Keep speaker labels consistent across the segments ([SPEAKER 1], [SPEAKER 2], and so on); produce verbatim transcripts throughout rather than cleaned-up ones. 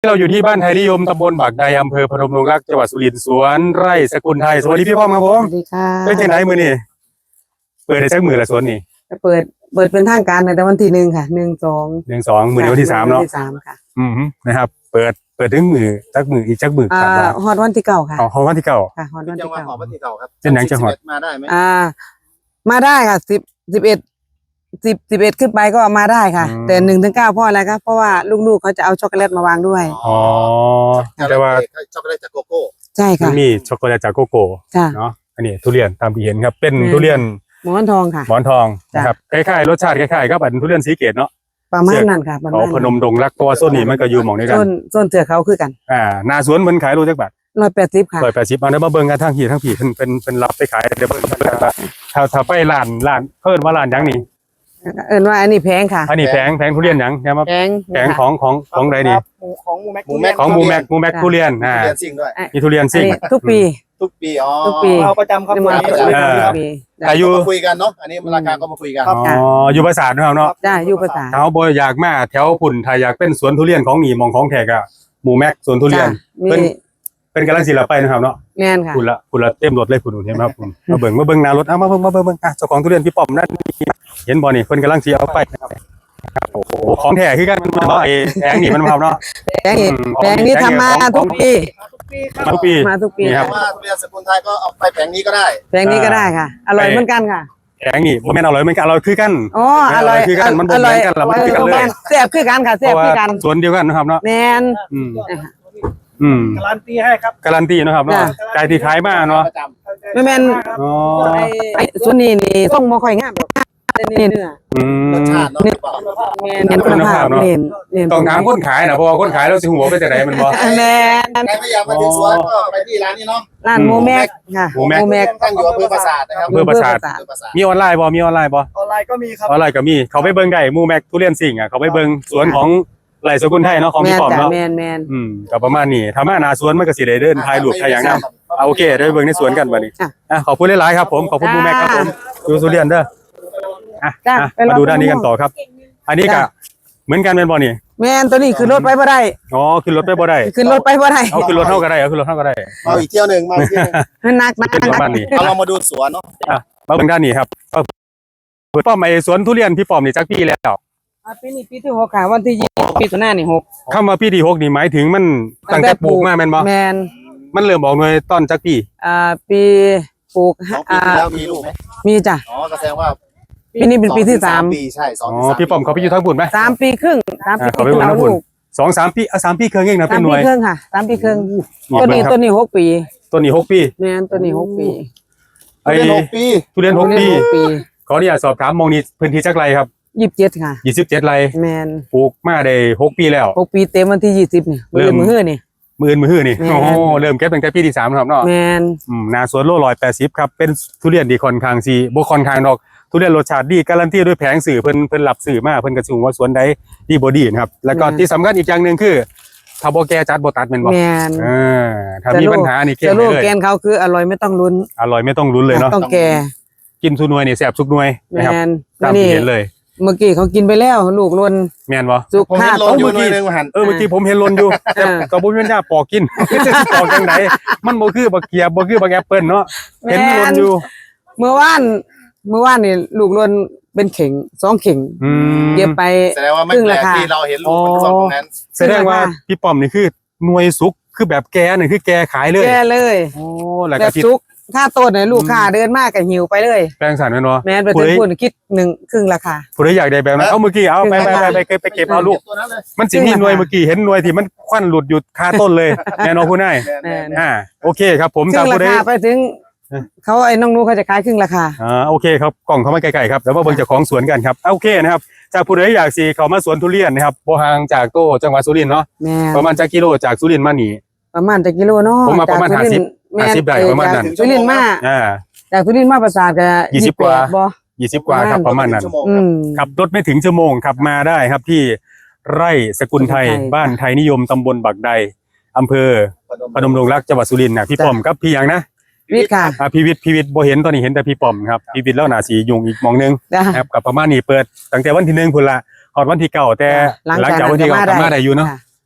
[SPEAKER 1] เราอยู่ที่บ้านไทยนิยมตำบลบากใดอำเภอพนมดงรักจังหวัดสุรินทร์สวนไร่สกุลไทยสวัสดีพี่ป้อมครับผม
[SPEAKER 2] สวัสดีค่ะ
[SPEAKER 1] เป็นจังไหนมือนี่เปิดได้สักมือละสวนนี่
[SPEAKER 2] เปิดเปิดเป็นทางการในวันที่หนึ่งค่ะหนึ่งสอง
[SPEAKER 1] หนึ่งสองมือวันที่สามเนาะ
[SPEAKER 2] วันที่สามค่ะ
[SPEAKER 1] อืมนะครับเปิดเปิดถึงมือจักมืออีกจักมือค
[SPEAKER 2] อ่า
[SPEAKER 1] รับ
[SPEAKER 2] ฮอดวันที่เก้าค่ะ
[SPEAKER 1] อ๋อวันที่เก้า
[SPEAKER 2] ค่ะฮอดวันที่เก้า
[SPEAKER 3] วันที่เก้าครับ
[SPEAKER 1] เป็นหนังจังหวัด
[SPEAKER 3] มาได้ไหม
[SPEAKER 2] อ่ามาได้ค่ะสิบสิบเอ็ดสิบสิบเอ็ดขึ้นไปก็มาได้ค่ะแต่หนึ่งถึงเก้าเพราะอะไรครับเพราะว่าลูกๆเขาจะเอาช็อกโกแลตมาวางด้วย
[SPEAKER 1] อ๋อแต่ว่า
[SPEAKER 3] ช็อกโกแลตจากโกโก้
[SPEAKER 2] ใช่ค่ะ
[SPEAKER 1] มันมีช็อกโกแลตจากโกโก้เนาะอันนี้ทุเรียนตามที่เห็นครับเป็นทุเรียน
[SPEAKER 2] หมอนทองค่ะ
[SPEAKER 1] หมอนทองนะครับคล้ายๆรสชาติคล้ายๆกับอันทุเรียนสีเกตเนาะ
[SPEAKER 2] ประมาณนั้นค่ะประมาณ
[SPEAKER 1] พนมดงรักเพราะว่าโซนนี้มันก็อยู่หม่องนี้กัน
[SPEAKER 2] โซนเถือกเขาคือกัน
[SPEAKER 1] อ่าหน้าสวนมันขายโลจักบาท
[SPEAKER 2] ร้อยแปดสิบค่ะ
[SPEAKER 1] ร้อยแปดสิบเอาเดี๋ยวมาเบิ่งกันทั้งผีทั้งผีเป็นเป็นเป็นรับไปขายเดี๋ยวเบิ่งกันถ้าถ้าไปร้านร้านเพิ่นว่าร้านยังนี่
[SPEAKER 2] เอิ้นว่าอันนี้แพงค่ะ
[SPEAKER 1] อันนี้แพงแพงทุเรียนยังเนี่ยมา
[SPEAKER 2] แพง
[SPEAKER 1] แพงของของของใดนี่
[SPEAKER 3] ของมูแม็กมูแม็ก
[SPEAKER 1] ของมูแม็กมูแม็กทุเรียนอ่ามีทุเรียนซิ่ง
[SPEAKER 2] ทุกปี
[SPEAKER 3] ทุกปีอ๋อ
[SPEAKER 2] ทุกปี
[SPEAKER 3] เอาประจำครับ
[SPEAKER 1] แต่อยู่
[SPEAKER 3] มาคุยกันเนาะอันนี้ราคาก็มาคุยกัน
[SPEAKER 1] อ๋ออยู่ประสาทนะครับเนาะ
[SPEAKER 2] ใช่อยู่ประสาท
[SPEAKER 1] เขาบ่อยากมาแถวพุ่นถ้าอยากเป็นสวนทุเรียนของหนีมองของแท้ก็มูแม็กสวนทุเรียนเป็นเป็นกำลังสิละไปนะครับเนาะ
[SPEAKER 2] แม่นค่ะ
[SPEAKER 1] คุณละคุณละเต็มรถเลยคุณเห็นไหมครับผมมาเบิ่งมาเบิ่งหน้ารถเอามาเบิ่งมาเบิ่งอ่ะเจ้าของทุเรียนพี่ป้อมนั่นเห็นบ่นี่เพิ่นกำลังสิเอาไปโอ้โหของแท้คือกันมันบ่ไอ้แพงนี่มันครับเนาะ
[SPEAKER 2] แพงนี่แพงนี่ทำมาทุกปี
[SPEAKER 1] มาทุกปี
[SPEAKER 2] มาทุกปี
[SPEAKER 3] ครับว่าทุเรียนสกุลไทยก็เอาไปแผงนี้ก็ได้
[SPEAKER 2] แพงนี้ก็ได้ค่ะอร่อยเหมือนกันค่ะ
[SPEAKER 1] แพงนี่บ่แม่นอร่อยเหมือนกันอร่อยคือกัน
[SPEAKER 2] อ๋ออร่อย
[SPEAKER 1] คือกันมันบ่เหมือนกันละมันคือกันเลย
[SPEAKER 2] แซ่บคือกันค่ะแซ่บคือกัน
[SPEAKER 1] สวนเดียวกันนะครับเนาะ
[SPEAKER 2] แม่น
[SPEAKER 1] อืมอืม
[SPEAKER 3] การันตีให้ครับ
[SPEAKER 1] การันตีนะครับเนาะใจที่ขายมาเนาะ
[SPEAKER 2] ไม่แม่นอ๋อไอ้ส่วนนี้นี่ต้องบ่ค่อยงามนี่เนื้อ
[SPEAKER 1] อืม
[SPEAKER 3] รสชาติเนาะ
[SPEAKER 2] แม่นเน้นคุณภาพเน้นเน้น
[SPEAKER 1] ต้องถามคนขายนะเพราะว่าคนขายแล้วสิหัวไปแต่ไหนมันบ่
[SPEAKER 2] แม่น
[SPEAKER 3] ใครไม่อยากมาถึงสวนก็ไปที่ร้านนี้เนาะ
[SPEAKER 2] ร้านโมแม็กค่ะ
[SPEAKER 1] โมแม็ก
[SPEAKER 3] ตั้งอยู่อำเภอปราสาทนะครับ
[SPEAKER 1] อำเภอปราสาทมีออนไลน์บ่มีออนไลน์บ่
[SPEAKER 3] ออนไลน์ก็มีครับ
[SPEAKER 1] ออนไลน์ก็มีเขาไปเบิ่งได้โมแม็กทุเรียนสิ่งอ่ะเขาไปเบิ่งสวนของไร่สกุลไทยเนาะของพี่ป้อมเนาะ
[SPEAKER 2] แม่นแม่น
[SPEAKER 1] อืมก็ประมาณนี้ถ้ามาหน้าสวนมันก็สิได้เดินถ่ายรูปถ่ายหยังนำเอาโอเคได้เบิ่งในสวนกันบัดนี้อ่ะขอบคุณหลายๆครับผมขอบคุณโมแม็กครับผมดูทุเรียนเด้ออ่ะมาดูด้านนี้กันต่อครับอันนี้ก็เหมือนกันเป็นบ่นี่
[SPEAKER 2] แม่นตัวนี้ขึ้นรถไปบ่ได้
[SPEAKER 1] อ๋อขึ้นรถไปบ่ได้
[SPEAKER 2] ขึ้นรถไปบ่ได้
[SPEAKER 1] เอาขึ้นรถเท่าก็ได้เอาขึ้นรถเท่าก็ได้
[SPEAKER 3] เอาอีกเที่ยวนึงมาอีกเที่ยวนึง
[SPEAKER 2] หนักหนัก
[SPEAKER 1] ประมาณนี้
[SPEAKER 3] เรามาดูสวนเนาะ
[SPEAKER 1] อ่ะมาเบิ่งด้านนี้ครับพี่ป้อมไอ้สวนทุเรียนพี่ป้อมนี่จักปีแล้ว
[SPEAKER 2] ปีนี้ปีที่หกค่ะวันที่ยี่สิบปีตุลานี่หก
[SPEAKER 1] คำว่าปีที่หกนี่หมายถึงมันตั้งแต่ปลูกมาแม่นบ่
[SPEAKER 2] แม่น
[SPEAKER 1] มันเริ่มออกหน่วยต้นจักปี
[SPEAKER 2] อ่าปีปลูก
[SPEAKER 3] อ่าแล้วมีลูกไหม
[SPEAKER 2] มีจ้ะ
[SPEAKER 3] อ๋อก็แสดงว่า
[SPEAKER 2] ปีนี้เป็นปีที่สาม
[SPEAKER 3] ปีใช่สอง
[SPEAKER 1] อ๋อพี่ป้อมเขาไปอยู่ทั้งปุ่นไหม
[SPEAKER 2] สามปีครึ่งสามปี
[SPEAKER 1] เขาไปอยู่ทั้งปุ่นสองสามปีอ่ะสามปีครึ่งเองนะเป็นหน่วย
[SPEAKER 2] สามปีครึ่งค่ะสามปีครึ่งตัวนี้ตัวนี้หกปี
[SPEAKER 1] ตัวนี้หกปี
[SPEAKER 2] แม่นตัวนี้หกปี
[SPEAKER 1] ไอ้
[SPEAKER 3] หกปี
[SPEAKER 1] ทุเรียนหกปีขออนุญาตสอบถามมองนี้พื้นที่จักไรครับ
[SPEAKER 2] ยี่สิบเจ็ดค่ะ
[SPEAKER 1] ยี่สิบเจ็ดไร
[SPEAKER 2] แม่น
[SPEAKER 1] ปลูกมาได้หกปีแล้ว
[SPEAKER 2] หกปีเต็มวันที่ยี่สิบนี่เริ่มมือนี่
[SPEAKER 1] มือมือนี่โอ้เริ่มเก็บตั้งแต่ปีที่สามครับเนาะ
[SPEAKER 2] แม่น
[SPEAKER 1] อืมนาสวนโลร้อยแปดสิบครับเป็นทุเรียนดีค่อนข้างสีบ่ค่อนข้างดอกทุเรียนรสชาติดีการันตีด้วยแผงสื่อเพิ่นเพิ่นรับสื่อมาเพิ่นกระชุ่มว่าสวนใดดีบ่ดีนะครับแล้วก็ที่สำคัญอีกอย่างนึงคือถ้าบ่แก่จัดบ่ตัดแม่นบ่
[SPEAKER 2] แม่น
[SPEAKER 1] เออถ้ามีปัญหานี่แก้
[SPEAKER 2] ได้เลยแกนเขาคืออร่อยไม่ต้องลุ้น
[SPEAKER 1] อร่อยไม่ต้องลุ้นเลยเนาะ
[SPEAKER 2] ต้องแก่
[SPEAKER 1] กินทุนวยนี่แซ่บทุกหน่วยนะครับตามที่เห็นเลย
[SPEAKER 2] เมื่อกี้เขากินไปแล้วลูกล้น
[SPEAKER 1] แม่นบ่
[SPEAKER 2] สุกขาด
[SPEAKER 3] เมื่อกี้
[SPEAKER 1] เออเมื่อกี้ผมเห็นล้นอยู่แต่ก็บ่มีปัญญาปอกกินปอกจังไดมันบ่คือบักเกียบบ่คือบักแอปเปิ้ลเนาะเห็นล้นอยู่
[SPEAKER 2] เมื่อวานเมื่อวานนี่ลูกล้นเป็นเข่งสองเข่งเก็บไป
[SPEAKER 3] แสดงว่าไม่แปลกที่เราเห็นลูกสองตรงนั้น
[SPEAKER 1] แสดงว่าพี่ป้อมนี่คือหน่วยสุกคือแบบแกนี่คือแกขายเลย
[SPEAKER 2] แกเลย
[SPEAKER 1] โอ้แล้ว
[SPEAKER 2] ก็สุกถ้าต้นเนี่ยลูกค้าเดินมากก็หิวไปเลย
[SPEAKER 1] แปลงสารแม่นบ่
[SPEAKER 2] แม่นไปถึงคุณคิดหนึ่งครึ่งราคา
[SPEAKER 1] ผู้ใดอยากได้แบบนั้นเอาเมื่อกี้เอาไปไปไปไปเก็บเอาลูกมันสิมีหน่วยเมื่อกี้เห็นหน่วยที่มันควันหลุดอยู่คาต้นเลยแน่นอนผู้นายอ่าโอเคครับผม
[SPEAKER 2] ครึ่งราคาไปถึงเขาไอ้น้องนู้เขาจะขายครึ่งราคา
[SPEAKER 1] อ่าโอเคครับกล่องเขาไม่ไกลๆครับแล้วว่าเบิ่งเจ้าของสวนกันครับโอเคนะครับจากผู้ใดอยากสิเข้ามาสวนทุเรียนนะครับบ่ห่างจากโตจังหวัดสุรินทร์เนาะประมาณจักกิโลจากสุรินทร์มานี่
[SPEAKER 2] ประมาณจักกิโลเนาะ
[SPEAKER 1] ผมมาประมาณห้าสิบ ห้าสิบได้ประมาณนั้น
[SPEAKER 2] สุรินทร์มา
[SPEAKER 1] อ่า
[SPEAKER 2] จากสุรินทร์มาปราสาทก็
[SPEAKER 1] ยี่สิบกว่าบ่ยี่สิบกว่าครับประมาณนั้นขับรถไม่ถึงชั่วโมงขับมาได้ครับที่ไร่สกุลไทยบ้านไทยนิยมตำบลบักใดอำเภอพนมดงรักจังหวัดสุรินทร์นะพี่ป้อมกับพี่ยังนะ
[SPEAKER 2] วิทย์ค่ะ
[SPEAKER 1] อ่าพี่วิทย์พี่วิทย์บ่เห็นตอนนี้เห็นแต่พี่ป้อมครับพี่วิทย์แล้วหน้าสียุงอีกมองนึงครับกับประมาณนี้เปิดตั้งแต่วันที่หนึ่งพุ่นละฮอดวันที่เก้าแต่หลังจากวันที่เก้ามาได้อยู่เนาะ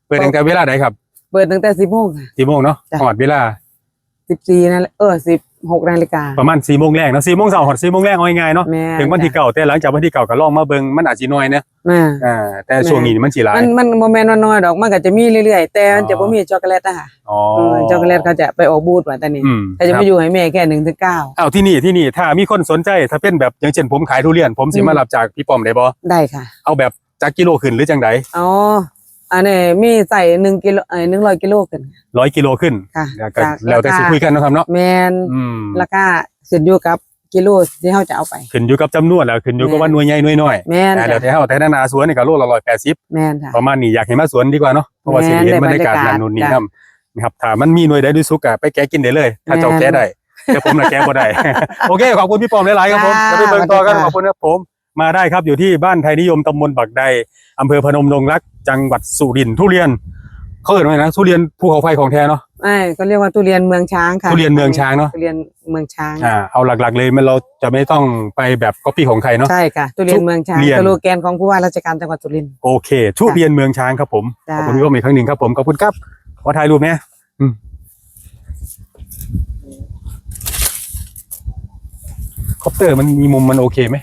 [SPEAKER 1] เปิดตั้งแต่เวลาไหนครับ
[SPEAKER 2] เปิดตั้งแต่สิบโมงค่ะ
[SPEAKER 1] สี่โมงเนาะ
[SPEAKER 2] จ้ะ
[SPEAKER 1] หอดเวลา
[SPEAKER 2] สิบสี่นั่นแหละเออสิบหกนาฬิกา
[SPEAKER 1] ประมาณสี่โมงแรกเนาะสี่โมงเช้าหอดสี่โมงแรกเอาง่ายๆเนาะ
[SPEAKER 2] แม่
[SPEAKER 1] ถึงวันที่เก่าแต่หลังจากวันที่เก่าก็ลองมาเบิ่งมันอาจสิน้อยเนี่ย
[SPEAKER 2] แม่
[SPEAKER 1] อ่าแต่ช่วงนี้นี่มันสิหลาย
[SPEAKER 2] มันมันโมเมนต์น้อยๆดอกมันก็จะมีเรื่อยๆแต่มันจะ
[SPEAKER 1] อ๋อ
[SPEAKER 2] บ่มีช็อกโกแลตอะค่ะ
[SPEAKER 1] อ๋อ
[SPEAKER 2] เออช็อกโกแลตเขาจะไปออกบูธว่าแต่นี่
[SPEAKER 1] อืม
[SPEAKER 2] แต่จะ
[SPEAKER 1] ครั
[SPEAKER 2] มา
[SPEAKER 1] บ
[SPEAKER 2] อยู่ให้แม่แค่หนึ่งถึงเก้า
[SPEAKER 1] อ้าวที่นี่ที่นี่ถ้ามีคนสนใจถ้าเป็นแบบอย่างเช่นผมขายทุเรียน ผมสิ
[SPEAKER 2] อืม
[SPEAKER 1] มารับจากพี่ป้อมได้บ่
[SPEAKER 2] ได้ค่ะ
[SPEAKER 1] เอาแบบจากกิโลขึ้นหรือจังได
[SPEAKER 2] อ๋ออันนี้มีใส่หนึ่งกิโลเอ้ยหนึ่งร้อยกิโลกัน
[SPEAKER 1] ร้อยกิโลขึ้น
[SPEAKER 2] ค่ะ
[SPEAKER 1] แล้วก็
[SPEAKER 2] จาก
[SPEAKER 1] แล้วแต่สิคุยกันเนาะครับเนาะ
[SPEAKER 2] แมน
[SPEAKER 1] อืม
[SPEAKER 2] ราคาขึ้นอยู่กับกิโลที่เขาจะเอาไป
[SPEAKER 1] ขึ้นอยู่กับจำนวนแล้วขึ้นอยู่กับว่าหน่วยใหญ่หน่วยน้อย
[SPEAKER 2] แมน
[SPEAKER 1] อ่าแล้วแต่
[SPEAKER 2] จ้ะ
[SPEAKER 1] เฮาแต่นานาสวนนี่ก็โลละร้อยแปดสิบ
[SPEAKER 2] แมนค่ะ
[SPEAKER 1] ประมาณนี้อยากให้มาสวนดีกว่าเนาะเพราะว่าสิได้เห็นบรรยากาศนั่นนู่นนี่
[SPEAKER 2] จ้ะ
[SPEAKER 1] นำนะครับถ้ามันมีหน่วยใดด้วยสุกอะไปแกะกินได้เลย ถ้าเจ้าแกะได้แต่ผมน่ะแกะบ่ได้ โอเคขอบคุณพี่ป้อมหลายๆครับผม
[SPEAKER 2] ค่ะ
[SPEAKER 1] จะไปเบิ่งต่อกัน
[SPEAKER 2] สวัสดีค่ะ
[SPEAKER 1] ขอบคุณครับผมมาได้ครับอยู่ที่บ้านไทยนิยมตำบลบักใดอำเภอพนมดงรักจังหวัดสุรินทร์ทุเรียนเขาเอ่ยว่าไงนะทุเรียนภูเขาไฟของแท้เนาะ
[SPEAKER 2] ไอ้ก็เรียกว่าทุเรียนเมืองช้างค่ะ
[SPEAKER 1] ทุเรียนเมืองช้างเนอะ
[SPEAKER 2] ทุเรียนเมืองช้าง
[SPEAKER 1] อ่าเอาหลักๆเลยมันเราจะไม่ต้องไปแบบก๊อปปี้ของใครเนาะ
[SPEAKER 2] ใช่ค่ะทุเรียนเมืองช้าง
[SPEAKER 1] ทุเรียน
[SPEAKER 2] สโลแกนของผู้ว่าราชการจังหวัดสุรินทร์
[SPEAKER 1] โอเคทุเรียนเมืองช้างครับผม
[SPEAKER 2] จ้ะ
[SPEAKER 1] ขอบคุณพี่ป้อมอีกครั้งหนึ่งครับผมขอบคุณครับขอถ่ายรูปเนี่ยอืมคอปเตอร์มันมีมุมมันโอเคไหม